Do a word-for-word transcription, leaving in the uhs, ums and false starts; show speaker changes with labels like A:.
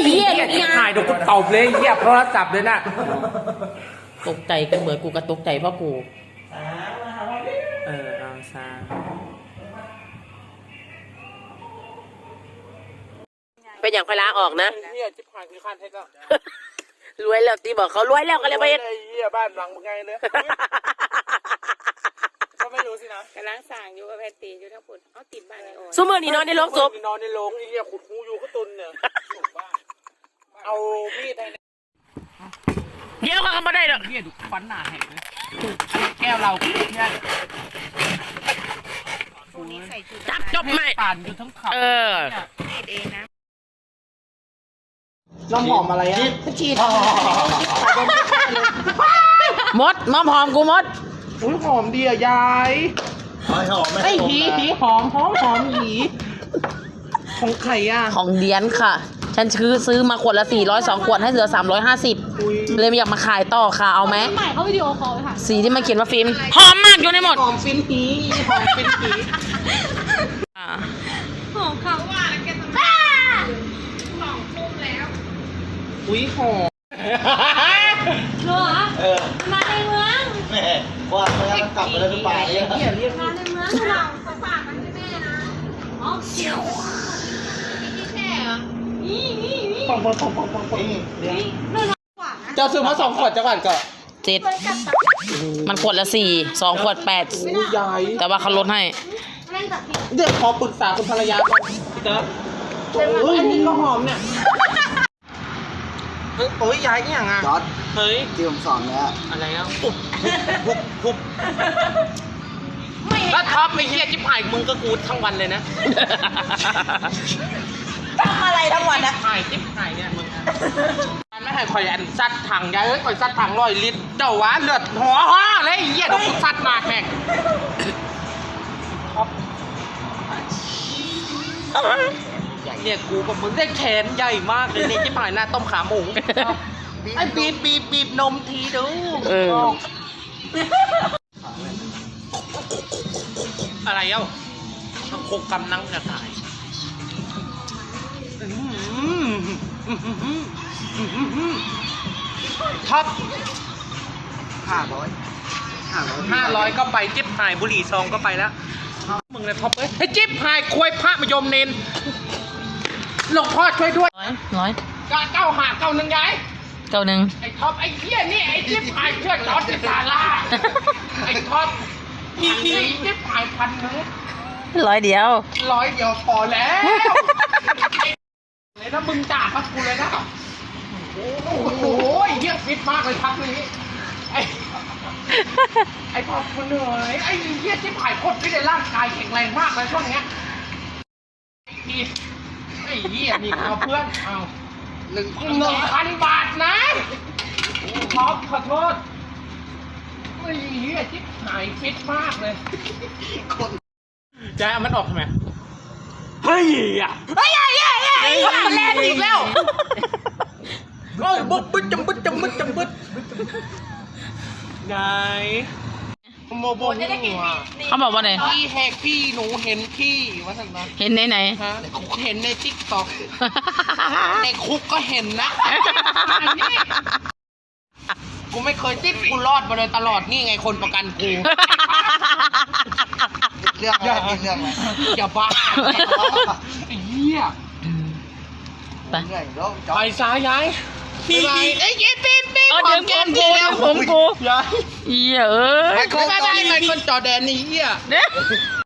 A: เหี้ยถ่ายดูกูตบเลยเหี้ยเพราะจับเลยน่ะตกใจกันเหมือนกูกระตกใจเพราะกูเออเอาซาเป็นอย่างไฟล้างออกนะเหี้ยจิ๊บหายคือขั้นเท็จแล้วรวยแล้วตีบอกเขารวยแล้วก็เลยไปเหี้ยบ้านหลังมึงไงเนี่ยก็ไม่รู้สินะกำลังสั่งอยู่กับแพตตี้อยู่ทั้งปุ่นเอาติดบ้านในโอ่ซูเมอร์นี่นอนในโรงศพนอนในโรงไอ้เหี้ยขุดหูอยู่ก็ตุนเนี่ยเอามีดในเดี๋ยวเขาไม่ได้หรอกเหี้ยดูฟันหนาแหกเลยแก้วเราเนี่ยจับจบไหมป่านอยู่ทั้งเขาเออเองนะน้ำหอมอะไรอ่ะชีทมดน้ำหอมกูมดอุ้ยหอมดีอ่ะยายหอมไอ้หีหีหอมหอมหอมหีของไข่อ่ะของเดียนค่ะฉันซื้อซื้อมาขวดละสี่ร้อยสองขวดให้เหลือสามร้อยห้าสิบเลยไม่อยากมาขายต่อค่ะเอาไหมใหม่เขาวิดีโอคอลไปค่ะสีที่มันเขียนว่าฟิล์มหอมมากอยู่ในหมดหอมฟินหีหอมฟินหีหอมเขาว่าแกทำไมสองทุ่มแล้วอุ้ยหอมเหรอมาในเมืองแม่ว่าเมื่อกลับไปแล้วจะไปเนี่ยเรียกมาในเมืองเราเขาฝากมันให้แม่นะอ๋อเชี่ยวนี่แค่เหรอนี่นี่นี่ปองปองปองปองปองนี่เจ้าซื้อมาสองขวดจังหวัดก็เจ็ดมันขวดละสี่สองขวดแปดแต่ว่าเขาลดให้เดี๋ยวขอปรึกษาคุณภรรยาก่อนเด้อเฮ้ยนี่ก็หอมเนี่ยเฮ้ยโอ้ยยายนี่อย่างอ่ะจอดเฮ้ยที่ผมสอนแล้วอะไรแล้วปุ๊บปุ๊บปุ๊บถ้าท็อปไม่เฮียจิ๊บหายมึงก็กูทั้งวันเลยนะทำอะไรทั้งวันนะหายจิ๊บหายเนี่ยมึงมันไม่ให้คอยอันซัดถังยายเอ้ยคอยซัดถังร้อยลิตรเจ้าวะเลือดหัวห่อเลยเฮียเดี๋ยวกูซัดมาแข่งท็อปเนี่ยกูกับมึงได้แขนใหญ่มากเลยเนี่ยจิ๊บหายหน้าต้มขาหมูไอ้บีบบีบบีบนมทีดูอะไรเอ้าโคกกำนังจะตายท็อปห้าร้อยห้าร้อยก็ไปจิ๊บหายบุหรี่ซองก็ไปแล้วมึงเลยท็อปเอ้ยให้จิ๊บหายควยพระมยมเนนหลวงพ่อช่วยด้วยร้อยร้อยเก้าหาเก้าหนึ่งยายเก้าหนึ่งไอ้ท็อปไอ้เหี้ยนี่ไอ้จิ๊บหายเชื่อจอดที่ศาลาไอ้ท็อปพี่พี่จิ๊บหายพันนึงร้อยเดียวร้อยเดียวพอแล้วเลยถ้ามึงจ่าพักกูเลยนะโอ้โหเหี้ยฟิตมากเลยพักนี้ไอ้ไอ้พอคนเหนื่อยไอ้เหี้ยจิ๊บหายโคตรฟิตเลยร่างกายแข็งแรงมากเลยช่วงเนี้ยพี่ไอ้เหี้ยนี่เอาเพื่อนเอาหนึ่งหนึ่งพันบาทนะท็อปขอโทษไอ้เหี้ยจิ๊บหายฟิตมากเลยจะเอามันออกทำไมเฮ้ยอ่ะเฮ้ยเฮ้ยเฮ้ยมันแรงอีกแล้วโอ้ยบึ๊บบึ๊บจำบึ๊บจำบึ๊บจำบึ๊บไงโมโบหัวเขาบอกว่าไงพี่แหกพี่หนูเห็นพี่ว่าสักนะเห็นไหนไหนเห็นในติ๊กต็อกในคุกก็เห็นนะกูไม่เคยติดกูรอดมาเลยตลอดนี่ไงคนประกันกูเรื่องอะไรเรื่องอะไรอย่าบ้าไอ้เหี้ยไปไปซ้ายย้ายพี่ไอ้ยี่ปีนปีนของแกมกูของกูย้ายเหี้ยเอ้ยไม่ได้ไม่คนจอแดนนี่เหี้ย